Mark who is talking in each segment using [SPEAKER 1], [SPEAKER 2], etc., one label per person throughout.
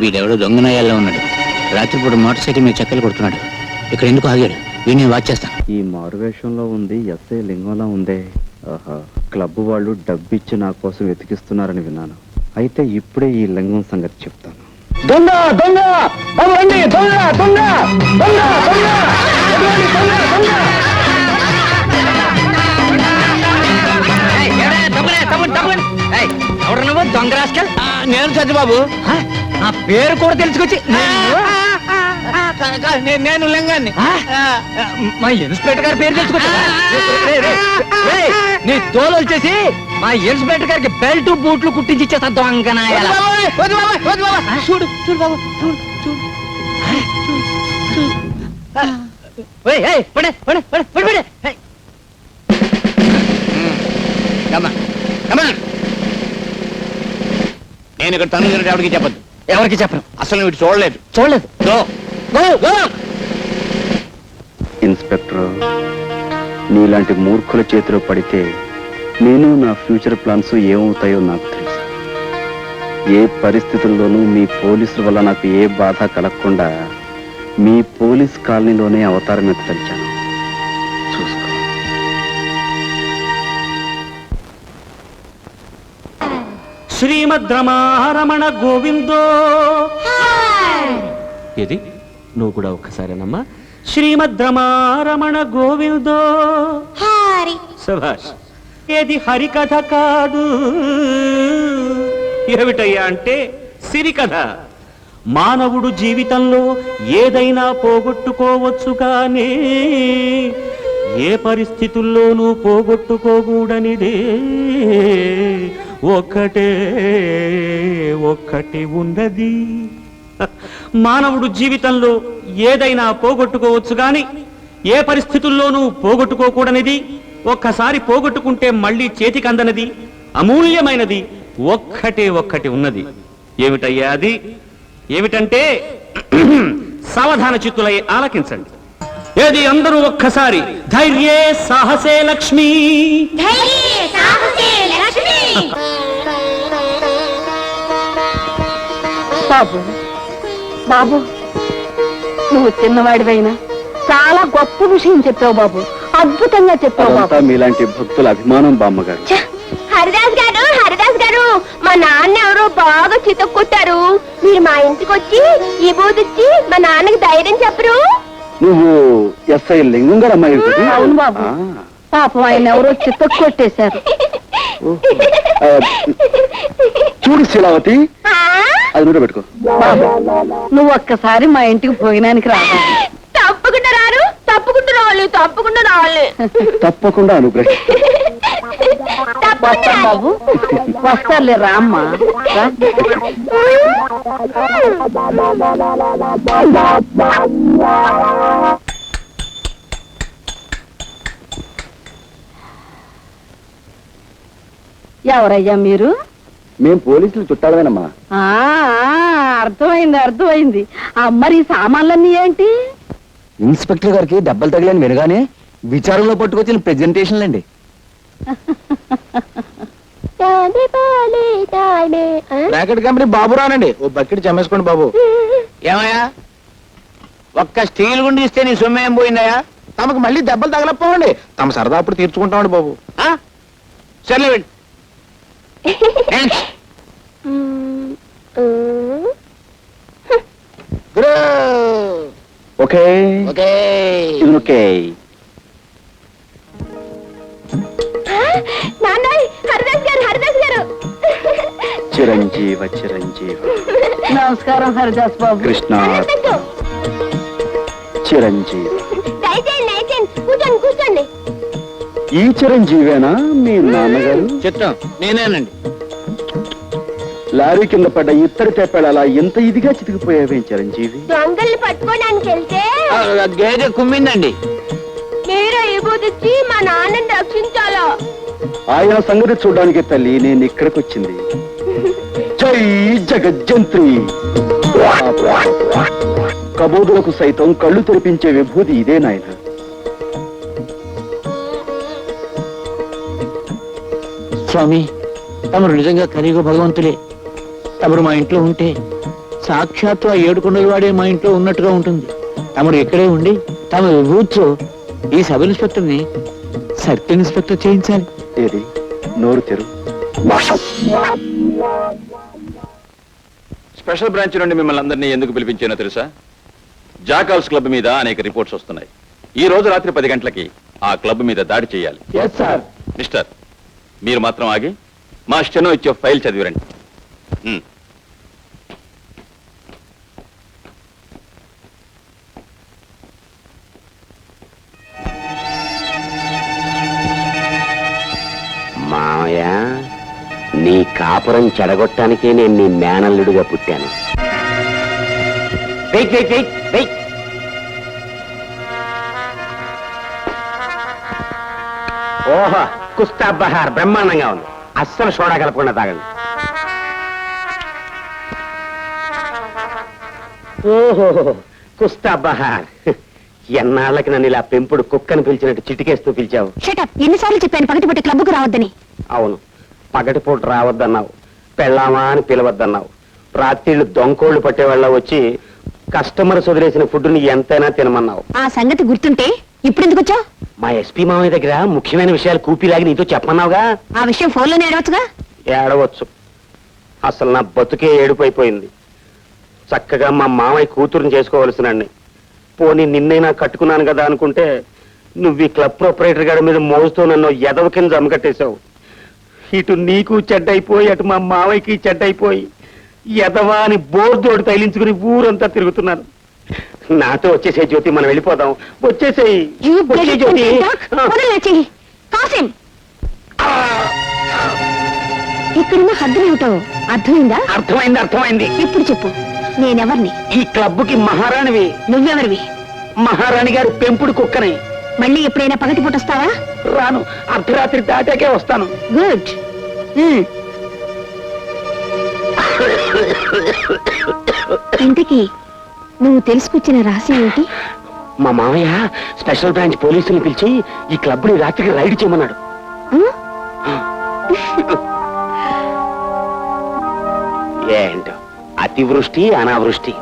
[SPEAKER 1] వీడెవడో దొంగనాయాల్లో ఉన్నాడు. రాత్రిపూట మోటార్ సైకిల్ మీద చెక్కలు కొడుతున్నాడు. ఇక్కడ ఎందుకు ఆగాడు? వీడిని వాచ్ చేస్తాను.
[SPEAKER 2] ఈ మారువేషంలో ఉంది ఎస్ఐ లింగంలా ఉందే. ఆహా, క్లబ్ వాళ్ళు డబ్బిచ్చి నా కోసం వెతికిస్తున్నారని విన్నాను. అయితే ఇప్పుడే ఈ లింగం సంగతి చెప్తాను.
[SPEAKER 3] దొంగ దొంగ రండి, దొంగ దొంగ దొంగ దొంగ
[SPEAKER 1] ఎవరు నువ్వు దొంగ రాస్కల్? నేను సత్యబాబు. నా పేరు కూడా తెలుసుకొచ్చి నేను లింగాన్ని. మా ఇన్స్పెక్టర్ గారి పేరు తెలుసుకొచ్చి నీ తోలు వచ్చేసి మా ఇన్స్పెక్టర్ గారికి బెల్ట్ బూట్లు కుట్టించి ఇచ్చేస్తా దొంగనాయ. చూడు చూడు బాబు, చూడు చూడు. నేను ఇక్కడ తను ఎవరికి చెప్పద్దు. ఎవరికి చెప్పను. అసలు వీటి చూడలేదు చూడలేదు.
[SPEAKER 2] ఇన్స్పెక్టర్, నీలాంటి మూర్ఖుల చేతిలో పడితే నేను నా ఫ్యూచర్ ప్లాన్స్ ఏమవుతాయో నాకు తెలుసు. ఏ పరిస్థితుల్లోనూ మీ పోలీసుల వల్ల నాకు ఏ బాధ కలగకుండా మీ పోలీస్ కాలనీలోనే అవతారం ఎత్తలిచాను. చూసుకో.
[SPEAKER 4] శ్రీమద్ రమారమణ గోవిందో. ఏది నువ్వు కూడా ఒక్కసారేనమ్మా. శ్రీమద్ రమారమణ గోవిందో. శభాష్. ఏది హరికథ కాదు. ఏమిటయ్యా అంటే సిరికథ. మానవుడు జీవితంలో ఏదైనా పోగొట్టుకోవచ్చు కానీ ఏ పరిస్థితుల్లోనూ పోగొట్టుకోకూడనిదే ఒక్కటే ఒక్కటి ఉన్నది. మానవుడు జీవితంలో ఏదైనా పోగొట్టుకోవచ్చు కానీ ఏ పరిస్థితుల్లోనూ పోగొట్టుకోకూడనిది, ఒక్కసారి పోగొట్టుకుంటే మళ్ళీ చేతికి అందనది, అమూల్యమైనది ఒక్కటే ఒక్కటి ఉన్నది. ఏమిటయ్యా అది? ఏమిటంటే సావధాన చిత్తులై ఆలకించండి. ఏది అందరూ ఒక్కసారి ధైర్యే సాహసే లక్ష్మి.
[SPEAKER 5] బాబు బాబు, నువ్వు చిన్నవాడివైనా చాలా గొప్ప విషయం చెప్పావు బాబు. అద్భుతంగా చెప్పావు బాబు.
[SPEAKER 2] మీలాంటి భక్తుల అభిమానం బామ్మగారు.
[SPEAKER 6] హరిదాస్ గారు, హరిదాస్ గారు, మా నాన్న ఎవరో బాగా చితక్కొట్టారు. మీరు మా ఇంటికి వచ్చి ఈ బూదిచ్చి మా నాన్నకి ధైర్యం చెప్పరు?
[SPEAKER 2] నువ్వు ఎస్ఐ లింగం గారు అమ్మాయి?
[SPEAKER 5] అవును బాబు. పాపం ఆయన ఎవరో చితక్కొట్టేశారు.
[SPEAKER 2] చూడు శీలావతి, అది నూట పెట్టుకో.
[SPEAKER 5] బాబు, నువ్వు ఒక్కసారి మా ఇంటికి భోజనానికి రావాలి.
[SPEAKER 6] తప్పకుండా రారు, తప్పకుండా రావాలి, తప్పకుండా రావాలి.
[SPEAKER 2] తప్పకుండా అనుగ్రహం.
[SPEAKER 5] వస్తాం బాబు, వస్తారులే. రామ్మా రా. ఎవరయ్యా మీరు?
[SPEAKER 2] మేం పోలీసులు చుట్టాలమేనమ్మా.
[SPEAKER 5] అర్థమైంది అర్థమైంది. మరి ఈ సామాన్లన్నీ ఏంటి?
[SPEAKER 3] ఇన్స్పెక్టర్ గారికి దెబ్బలు తగిలని వినగానే విచారంలో పట్టుకొచ్చిన ప్రెజెంటేషన్లు అండి. బ్రాకెట్ కంపెనీ బాబు రానండి. ఓ బకెట్ చమ్మేసుకోండి బాబు.
[SPEAKER 1] ఏమయ్యా, ఒక్క స్టీల్ గుండి ఇస్తే నీ సొమ్ము ఏం పోయిందయా?
[SPEAKER 3] తమకు మళ్ళీ దెబ్బలు తగలపోవండి. తమ సరదా అప్పుడు తీర్చుకుంటామండి బాబు.
[SPEAKER 1] సర్లే వెళ్ళి.
[SPEAKER 2] Okay okay.
[SPEAKER 6] నాన్నయ్, హరిదాస్ గారు, హరిదాస్ గారు.
[SPEAKER 2] చిరంజీవ చిరంజీవ.
[SPEAKER 5] నమస్కారం హరిదాస్ బాబు.
[SPEAKER 2] కృష్ణ చిరంజీవ.
[SPEAKER 6] దయచేయండి, దయచేయండి, కూర్చోండి కూర్చోండి.
[SPEAKER 2] ఈ చిరంజీవేనా మీ నాన్నగారు?
[SPEAKER 1] చిత్తం నేనేనండి.
[SPEAKER 2] లారీ కింద పడ్డ ఇత్తడి తెప్పాడు అలా ఎంత ఇదిగా చితికిపోయావేం చిరంజీవి?
[SPEAKER 6] దొంగల్ని పట్టుకోవడానికి వెళ్తే
[SPEAKER 1] గేదె కుమ్మిందండి.
[SPEAKER 6] మీరు ఈ బూదిచ్చి మా నాన్నని రక్షించాలా?
[SPEAKER 2] ఆయన సంగతి చూడడానికి తల్లి నేను ఇక్కడికి వచ్చింది. జై జగజ్జంత్రి. కబోదులకు సైతం కళ్ళు తెరిపించే విభూతి ఇదే నాయన.
[SPEAKER 1] స్వామి, తమరు నిజంగా కలియుగ భగవంతులే. తమరు మా ఇంట్లో ఉంటే
[SPEAKER 3] సాక్షాత్తు ఆ ఏడుకొండల వాడే మా ఇంట్లో ఉన్నట్టుగా ఉంటుంది. తమరు ఇక్కడే ఉండి తమ విభూతితో ఈ సబ్ ఇన్స్పెక్టర్ ని సర్కిల్ ఇన్స్పెక్టర్ చేయించాలి.
[SPEAKER 2] ఏది నోరు తెరు.
[SPEAKER 7] స్పెషల్ బ్రాంచ్ నుండి మిమ్మల్ని అందరినీ ఎందుకు పిలిపించానో తెలుసా? జాకాల్స్ క్లబ్ మీద అనేక రిపోర్ట్స్ వస్తున్నాయి. ఈ రోజు రాత్రి 10 గంటలకి ఆ క్లబ్ మీద దాడి చేయాలి. మిస్టర్, మీరు మాత్రం ఆగి మా స్టెనో ఇచ్చే ఫైల్ చదివిరండి.
[SPEAKER 8] మామయ్య, నీ కాపురం చెడగొట్టానికే నేను నీ మేనల్లుడిగా పుట్టాను. Wait wait wait wait. ఓహో, కుస్తా బహార్ బ్రహ్మాండంగా ఉంది. అస్సలు సోడా కలపకుండా తాగండి. ఓహో, కుస్తా బహార్. ఎన్నాళ్ళకి నన్ను ఇలా పెంపుడు కుక్కను పిలిచినట్టు చిటికేస్తూ పిలిచావు.
[SPEAKER 6] షటప్, ఎన్నిసార్లు చెప్పాను పగటిపూట క్లబ్కు రావద్దని.
[SPEAKER 8] అవును, పగటిపూట రావద్దన్నావు, పెళ్ళామా అని పిలవద్దన్నావు. రాత్రిళ్ళు దొంకోళ్లు పట్టేవాళ్ళ వచ్చి కస్టమర్స్ వదిలేసిన ఫుడ్ని ఎంతైనా తినమన్నావు.
[SPEAKER 6] ఆ సంగతి గుర్తుంటే ఇప్పుడు ఎందుకు వచ్చావు?
[SPEAKER 8] మా ఎస్పీ మామయ్య దగ్గర ముఖ్యమైన విషయాలు కూపిలాగి నీతో చెప్పమన్నావుగా.
[SPEAKER 6] ఆ విషయం ఫోన్లోనే ఏడవచ్చుగా.
[SPEAKER 8] ఏడవచ్చు. అసలు నా బతుకే ఏడుపైపోయింది. చక్కగా మా మామయ్య కూతురుని చేసుకోవలసినండి. పోనీ నిన్నైనా కట్టుకున్నాను కదా అనుకుంటే నువ్వు ఈ క్లబ్ ప్రొపరేటర్ గారి మీద మోజుతో నన్ను ఎదవ కింద జమకట్టేశావు. ఇటు నీకు చెడ్డైపోయి అటు మా మావయ్యకి చెడ్డైపోయి ఎదవా అని బోర్దోడు తైలించుకుని ఊరంతా తిరుగుతున్నాను. నాతో వచ్చేసే జ్యోతి, మనం వెళ్ళిపోదాం. వచ్చేసేయి. వచ్చే జ్యోతి.
[SPEAKER 6] కాసిం, ఇక్కడున్న హద్దులేమిటో అర్థమైందా?
[SPEAKER 8] అర్థమైంది, అర్థమైంది.
[SPEAKER 6] ఇప్పుడు చెప్పు, నేనెవర్ని?
[SPEAKER 8] ఈ క్లబ్కి మహారాణివి.
[SPEAKER 6] నువ్వెవరివి?
[SPEAKER 8] మహారాణి గారి పెంపుడు కుక్కని.
[SPEAKER 6] మళ్ళీ ఎప్పుడైనా పగటిపూట వస్తావా?
[SPEAKER 8] రాను, అర్ధరాత్రి దాటాకే వస్తాను.
[SPEAKER 6] గుడ్. ఇంతకీ నువ్వు తెలుసుకొచ్చిన రహస్యం ఏంటి?
[SPEAKER 8] మా మామయ్య స్పెషల్ బ్రాంచ్ పోలీసుని పిలిచి ఈ క్లబ్ ని రాత్రికి రైడ్ చేయమన్నాడు. ఏంటో అతివృష్టి అనావృష్టి.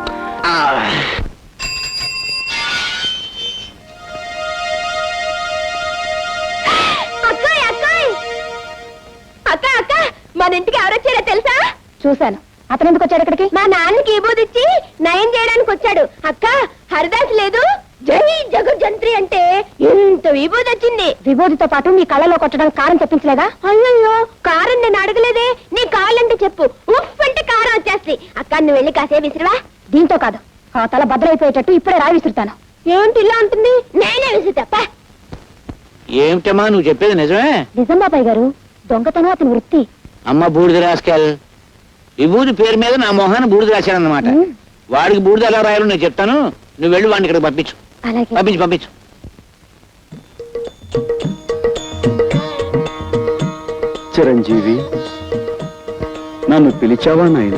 [SPEAKER 6] అక్క అక్క, మన ఇంటికి ఎవరొచ్చారో తెలుసా? చూశాను. అతను ఎందుకు వచ్చాడు ఇక్కడికి? మా నాన్నకి ఇచ్చి నయం చేయడానికి వచ్చాడు. అక్క, హరిదాస్ లేదు, జై జగజ్జంత్రి అంటే ఎంత విభూది వచ్చింది. విభూతితో పాటు నీ కళ్ళలో కొట్టడానికి కారం తెప్పించలేదా? అయ్యో, కారం నేను అడగలేదే. నీ కావాలంటే చెప్పు, ఉఫ్ అంటే కారం వచ్చేస్తుంది. అక్క, నువ్వు వెళ్ళి కాసే విసిరివా. దీంతో కాదు, ఆ తల భద్రైపోయేటట్టు ఇప్పుడే రాయి విసురుతాను. ఏంటి ఇలా ఉంటుంది? నేనే విసురుతా.
[SPEAKER 3] ఏమిటమ్మా నువ్వు చెప్పేది నిజమే?
[SPEAKER 6] నిజం బాబాయ్ గారు, దొంగతనం అతని వృత్తి.
[SPEAKER 3] అమ్మ బూడిద రాసుకెళ్. విభూతి పేరు మీద నా మొహాన్ని బూడిద రాశానన్నమాట. వాడికి బూడిద ఎలా రాయాలో నేను చెప్తాను. నువ్వు వెళ్ళి వాడిని ఇక్కడికి పంపించు.
[SPEAKER 6] అలాగే.
[SPEAKER 3] పంపించు పంపించు.
[SPEAKER 2] చిరంజీవి, నన్ను పిలిచావా నాయనా?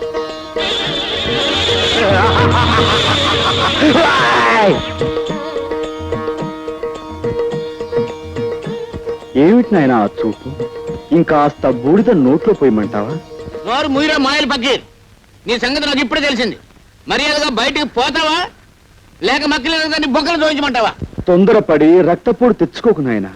[SPEAKER 2] ఏమిటి నాయనా ఆ చూపు? ఇంకాస్త బూడిద నోట్లో పోయమంటావా?
[SPEAKER 3] నోరు ముయిరా మాయలు పక్కీర్. నీ సంగతి నాకు ఇప్పుడే తెలిసింది. మర్యాదగా బయటికి పోతావా లేక మక్కలేదని బొక్కలు చూపించమంటావా?
[SPEAKER 2] తొందరపడి రక్తపోటు తెచ్చుకోకు నాయనా.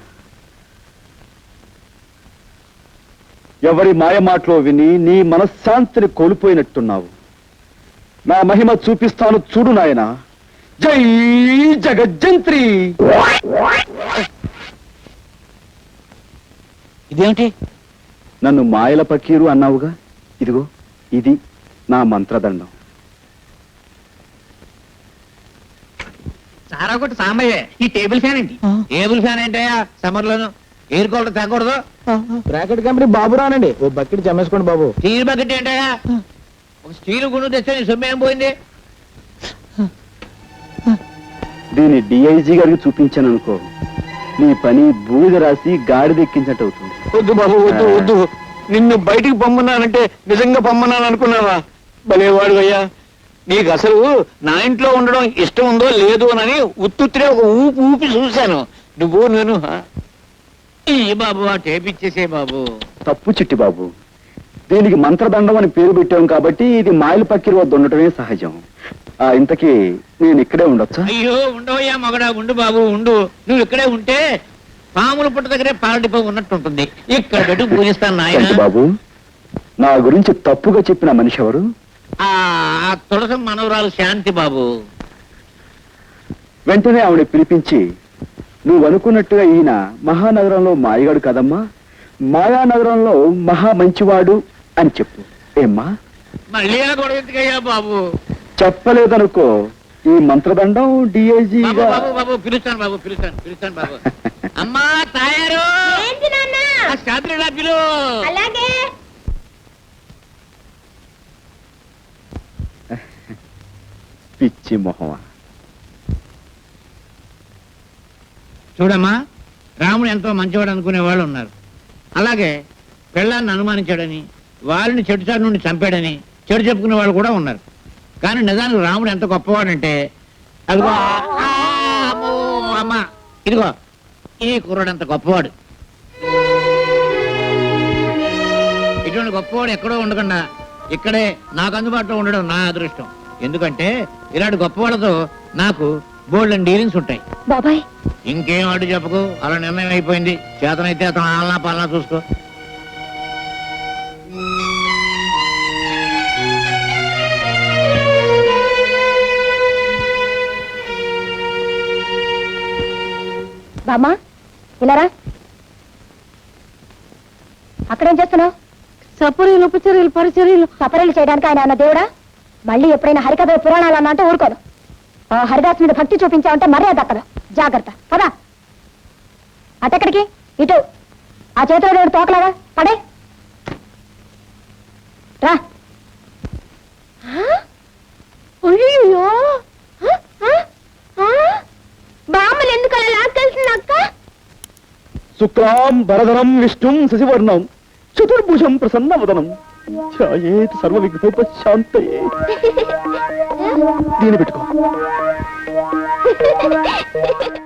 [SPEAKER 2] ఎవరి మాయమాటలో విని నీ మనశ్శాంతిని కోల్పోయినట్టున్నావు. నా మహిమ చూపిస్తాను చూడు నాయనా. జై జగజ్జంత్రి.
[SPEAKER 3] ఇదేమిటి?
[SPEAKER 2] నన్ను మాయల పకీరు అన్నావుగా, ఇదిగో ఇది నా మంత్రదండం.
[SPEAKER 1] సారా కొట్టు సాంబయ్య, ఈ టేబుల్ ఫ్యాన్ ఏంటి?
[SPEAKER 3] టేబుల్ ఫ్యాన్ ఏంటయ్యా? సమ్మర్ లోను ఎయిర్ కూలర్ తగ్గకూడదు.
[SPEAKER 1] బ్రాకెట్ కంపెనీ బాబు రానండి, ఓ బకెట్ జమేసుకోండి బాబు.
[SPEAKER 3] స్టీల్ బకెట్ ఏంటయ్యా? ఒక స్టీల్ గుండు తెస్తే నీ సొమ్ము ఏం పోయింది?
[SPEAKER 2] దీన్ని డిఐజీ గారికి చూపించాను అనుకో, నీ పని బూడిద రాసి గాడిదెక్కించట్టు అవుతుంది.
[SPEAKER 3] వద్దు బాబు, వద్దు వద్దు. నిన్ను బయటికి పొమ్మన్నానంటే నిజంగా పొమ్మన్నాను అనుకున్నావా? భలేవాడు అయ్యా. నీకు అసలు నా ఇంట్లో ఉండడం ఇష్టం ఉందో లేదు అని ఉత్తుత్తిరే ఒక ఊపి ఊపి చూశాను. నువ్వు నేను బాబు ఆ టేప్ ఇచ్చేసే బాబు.
[SPEAKER 2] తప్పు చిట్టి బాబు, దీనికి మంత్రదండం అని పేరు పెట్టాం కాబట్టి ఇది మాయల పక్కిరి వద్ద ఉండటమే సహజం. ఇంతకీ నేను ఇక్కడే ఉండొచ్చా?
[SPEAKER 3] అయ్యో ఉండవయ్యా మగడా, ఉండు బాబు ఉండు. నువ్వు ఇక్కడే ఉంటే పాముల పుట్ట దగ్గరే పాలడిపో ఉన్నట్టు ఉంటుంది. ఇక్కడ పెట్టి పూజిస్తాను
[SPEAKER 2] ఏంటి
[SPEAKER 3] నాయన.
[SPEAKER 2] బాబు, నా గురించి తప్పుగా చెప్పిన మనిషి ఎవరు?
[SPEAKER 3] ఆ తులసం మనవరాలు శాంతి బాబు.
[SPEAKER 2] వెంటనే ఆవిడ పిలిపించి, నువ్వు అనుకున్నట్టుగా ఈయన మహానగరంలో మాయగాడు కదమ్మా, మాయానగరంలో మహా మంచివాడు అని చెప్పు. ఏమ్మా?
[SPEAKER 3] మళ్ళీ ఆ గొడవ ఎందుకయ్యా బాబు?
[SPEAKER 2] చెప్పలేదనుకో, ఈ మంత్రదండం
[SPEAKER 3] బాబు
[SPEAKER 2] డిఐజీగా
[SPEAKER 3] బాబు బాబు పిలుస్తాను బాబు, పిలుస్తాను బాబు. అమ్మా తాయారు,
[SPEAKER 6] ఏంటి నాన్న?
[SPEAKER 3] ఆ శాంతిలా పిలు.
[SPEAKER 6] అలాగే.
[SPEAKER 2] పిచ్చి మొహమా.
[SPEAKER 3] చూడమ్మా, రాముడు ఎంతో మంచివాడు అనుకునే వాళ్ళు ఉన్నారు. అలాగే పెళ్ళాన్ని అనుమానించాడని, వాళ్ళని చెడుచాటు నుండి చంపాడని చెడు చెప్పుకునే వాళ్ళు కూడా ఉన్నారు. కానీ నిజానికి రాముడు ఎంత గొప్పవాడంటే, అదిగో అమ్మో, అమ్మ ఇదిగో ఈ కుర్రాడు అంత గొప్పవాడు. ఇటువంటి గొప్పవాడు ఎక్కడో ఉండకుండా ఇక్కడే నాకు అందుబాటులో ఉండడం నా అదృష్టం. ఎందుకంటే ఇలాంటి గొప్పవాళ్ళతో నాకు బోల్డ్ డీలింగ్స్ ఉంటాయి.
[SPEAKER 6] బాబాయ్,
[SPEAKER 3] ఇంకేం అడ్డు చెప్పకు, అలా నిర్ణయం అయిపోయింది. చేతనైతే అతను ఆలనా పాలనా చూసుకో.
[SPEAKER 6] బామ్మా ఇలారా. అక్కడేం చేస్తున్నావు?
[SPEAKER 5] సపరీలు ఉపచర్యలు పరిచర్యలు.
[SPEAKER 6] సపరీలు చేయడానికి ఆయన అన్న దేవుడా? మళ్ళీ ఎప్పుడైనా హరికథ పురాణాలు అన్నంటే ఊరుకోను. ఆ హరిదాస్ మీద భక్తి చూపించావంటే మర్యాద దక్కదు. జాగ్రత్త. పదా అటెక్కడికి? ఇటు. ఆ చేతిలో దేవుడు తోకలాగా పడే రా. అయ్యో, బామ్మలు ఎందుకు అలా లాక్కెళ్తుంది అక్క?
[SPEAKER 2] శుక్లాం వరదరం విష్ణుం శశివర్ణం చతుర్భుజం ప్రసన్నవదనం ఛాయేత్ సర్వ విఘ్నోపశాంతయే. దీని పెట్టుకో.